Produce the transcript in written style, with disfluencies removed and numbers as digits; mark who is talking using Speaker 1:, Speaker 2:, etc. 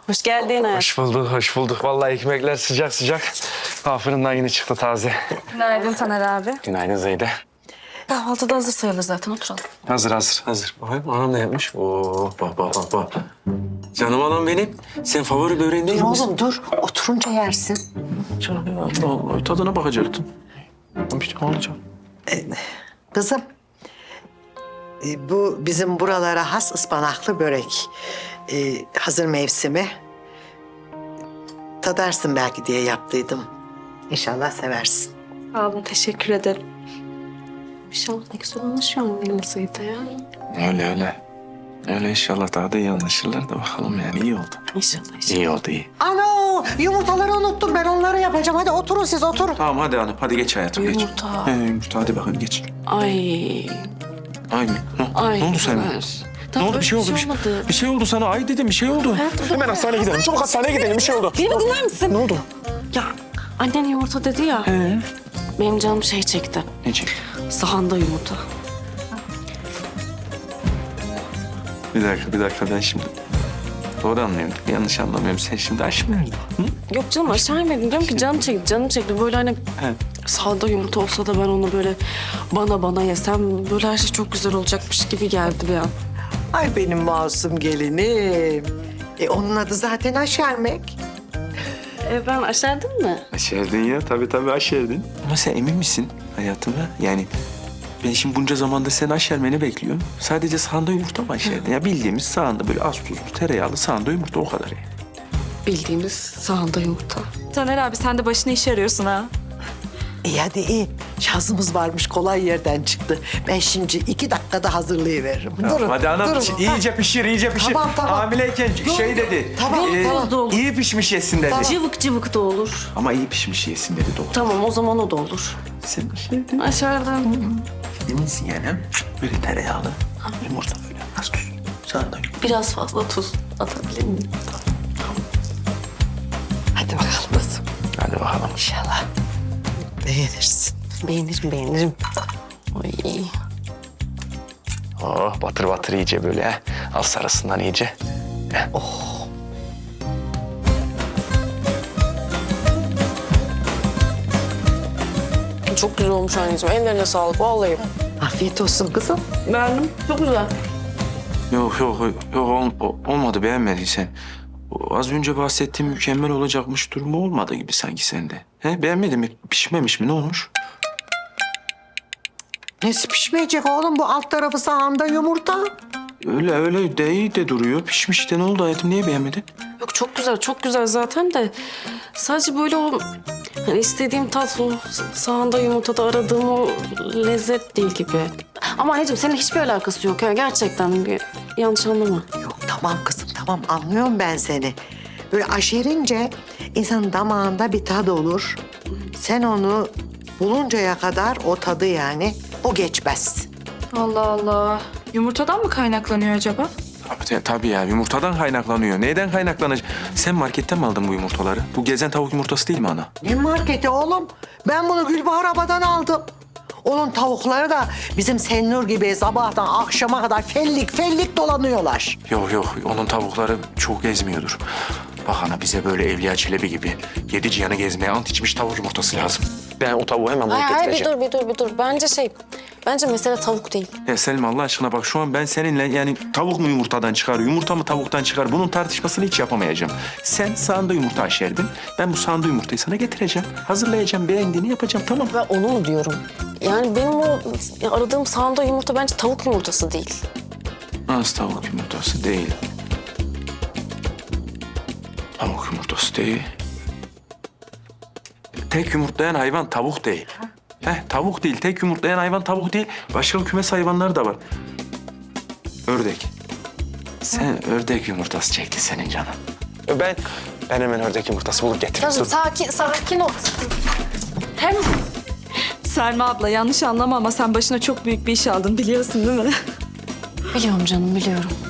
Speaker 1: Hoş geldin.
Speaker 2: Hoş bulduk, hoş bulduk. Vallahi ekmekler sıcak sıcak. Fırından yeni çıktı taze.
Speaker 1: Günaydın Taner abi.
Speaker 2: Günaydın Zeyde.
Speaker 1: Kahvaltıda hazır sayılır zaten, oturalım.
Speaker 2: Hazır. Bakayım anam ne yapmış? Oo, bak. Canım anam benim. Sen favori böreğin değil misin?
Speaker 3: Oğlum dur, oturunca yersin.
Speaker 2: Canım ya, Allah Allah. Tadına bakacaktım. İşte alacağım.
Speaker 3: Kızım, bu bizim buralara has ıspanaklı börek. Hazır mevsimi. Tadarsın belki diye yaptıydım. İnşallah seversin.
Speaker 1: Sağ olun, teşekkür ederim. İnşallah ne güzel anlaşıyor mu benim Seyit'e ya?
Speaker 2: Öyle inşallah daha da iyi anlaşırlar da bakalım yani. İyi oldu.
Speaker 1: İnşallah.
Speaker 2: İyi oldu, iyi.
Speaker 3: Ano, yumurtaları unuttum. Ben onları yapacağım. Hadi oturun siz, oturun.
Speaker 2: Tamam hadi hanım. Hadi geç hayatım, geç.
Speaker 1: Yumurta.
Speaker 2: Yumurta hadi bakayım geç.
Speaker 1: Ay.
Speaker 2: Ay mı?
Speaker 1: Ay.
Speaker 2: Ne oldu sana? Ne oldu? Bir şey oldu.
Speaker 1: olmadı.
Speaker 2: Bir şey oldu sana. Ay dedim, bir şey oldu. Hemen hastaneye gidelim. Çabuk hastaneye gidelim. Bir şey oldu.
Speaker 1: Beni dinler misin?
Speaker 2: Ne oldu?
Speaker 1: Ya annen yumurta dedi ya. Benim canım şey çekti.
Speaker 2: Ne çekti?
Speaker 1: Sahanda yumurta.
Speaker 2: Bir dakika ben şimdi... Doğru anlıyorum. Yanlış anlamıyorum. Sen şimdi aşk mı verdin?
Speaker 1: Yok canım, aşağı inmedim. Diyorum ki canım çekti. Böyle hani sahanda yumurta olsa da ben onu böyle bana yesem böyle her şey çok güzel olacakmış gibi geldi bir an.
Speaker 3: Ay benim masum gelinim. Onun adı zaten aşermek.
Speaker 1: Ben aşerdin mi?
Speaker 2: Aşerdin ya. Tabii aşerdin. Ama sen emin misin hayatım ha? Yani ben şimdi bunca zamanda sen aşermeni bekliyorum. Sadece sahanda yumurta mı aşerdin? Ya bildiğimiz sahanda böyle az tuzlu, tereyağlı sahanda yumurta o kadar yani.
Speaker 1: Bildiğimiz sahanda yumurta.
Speaker 4: Taner abi sen de başına iş arıyorsun ha.
Speaker 3: İyi hadi iyi. Şansımız varmış, kolay yerden çıktı. Ben şimdi 2 dakikada hazırlayıveririm. Durun,
Speaker 2: Hadi anam
Speaker 3: durun.
Speaker 2: iyice pişir.
Speaker 3: Tamam.
Speaker 2: Hamileyken şey dedi.
Speaker 1: Tamam, da olur.
Speaker 2: İyi pişmiş yesin dedi.
Speaker 1: Cıvık da olur.
Speaker 2: Ama iyi pişmiş yesin dedi doğru.
Speaker 1: Tamam, o zaman o da olur.
Speaker 2: Sen aşerdin.
Speaker 1: Aşerdim.
Speaker 2: Eminsin yani ha? Böyle tereyağlı. Yumurta böyle az tuz. Sahanda yumurta.
Speaker 1: Biraz fazla tuz atabilir miyim?
Speaker 3: Hadi bakalım kızım.
Speaker 2: Hadi bakalım.
Speaker 3: İnşallah beğenirsin.
Speaker 1: Beğenirim. Ay.
Speaker 2: Oh batır iyice böyle ha. Al sarısından iyice.
Speaker 1: Çok güzel olmuş anneciğim. Ellerine sağlık vallahi.
Speaker 3: Afiyet olsun kızım.
Speaker 1: Beğendim. Çok güzel.
Speaker 2: Yok olmadı beğenmediysen. O az önce bahsettiğim mükemmel olacakmış durumu olmadı gibi sanki sende. He beğenmedin mi? Pişmemiş mi? Ne olmuş?
Speaker 3: Nesi pişmeyecek oğlum? Bu alt tarafı sahanda yumurta.
Speaker 2: Öyle de iyi de duruyor. Pişmiş de ne oldu hayatım? Niye beğenmedin?
Speaker 1: Yok çok güzel zaten de sadece böyle o hani istediğim tat o sahanda yumurtada aradığım o lezzet değil gibi. Ama anneciğim senin hiçbir alakası yok ya gerçekten bir yanlış anlama.
Speaker 3: Yok tamam kızım tamam, anlıyorum ben seni. Böyle aşerince insanın damağında bir tadı olur. Sen onu buluncaya kadar o tadı yani o geçmez.
Speaker 4: Allah Allah. Yumurtadan mı kaynaklanıyor acaba?
Speaker 2: Tabii ya yumurtadan kaynaklanıyor. Neyden kaynaklanacak? Sen marketten mi aldın bu yumurtaları? Bu gezen tavuk yumurtası değil mi ana?
Speaker 3: Ne marketi oğlum? Ben bunu Gülbahar Aba'dan aldım. Onun tavukları da bizim Sennur gibi sabahtan akşama kadar fellik dolanıyorlar.
Speaker 2: Yok onun tavukları çok gezmiyordur. Bak ana bize böyle Evliya Çelebi gibi 7 cihanı gezmeye ant içmiş tavuk yumurtası lazım. Ben o tavuğu hemen bulup
Speaker 1: Hayır
Speaker 2: getireceğim.
Speaker 1: bir dur. Bence mesele tavuk değil.
Speaker 2: Ya Selim Allah aşkına bak şu an ben seninle yani tavuk mu yumurtadan çıkar, yumurta mı tavuktan çıkar bunun tartışmasını hiç yapamayacağım. Sen sahanda yumurta aşerdin. Ben bu sahanda yumurtayı sana getireceğim. Hazırlayacağım, beğendiğini yapacağım tamam mı?
Speaker 1: Ben onu mu diyorum? Yani benim o aradığım sahanda yumurta bence tavuk yumurtası değil.
Speaker 2: Az tavuk yumurtası değil. Tavuk yumurtası değil. Tek yumurtlayan hayvan tavuk değil. Tavuk değil. Tek yumurtlayan hayvan tavuk değil. Başka kümes hayvanları da var. Ördek. Sen ördek yumurtası çekti senin canın. Ben hemen ördek yumurtası bulup getireyim.
Speaker 1: Canım sakin ol. Hem
Speaker 4: Selma abla yanlış anlama ama sen başına çok büyük bir iş aldın biliyorsun değil mi?
Speaker 1: biliyorum canım biliyorum.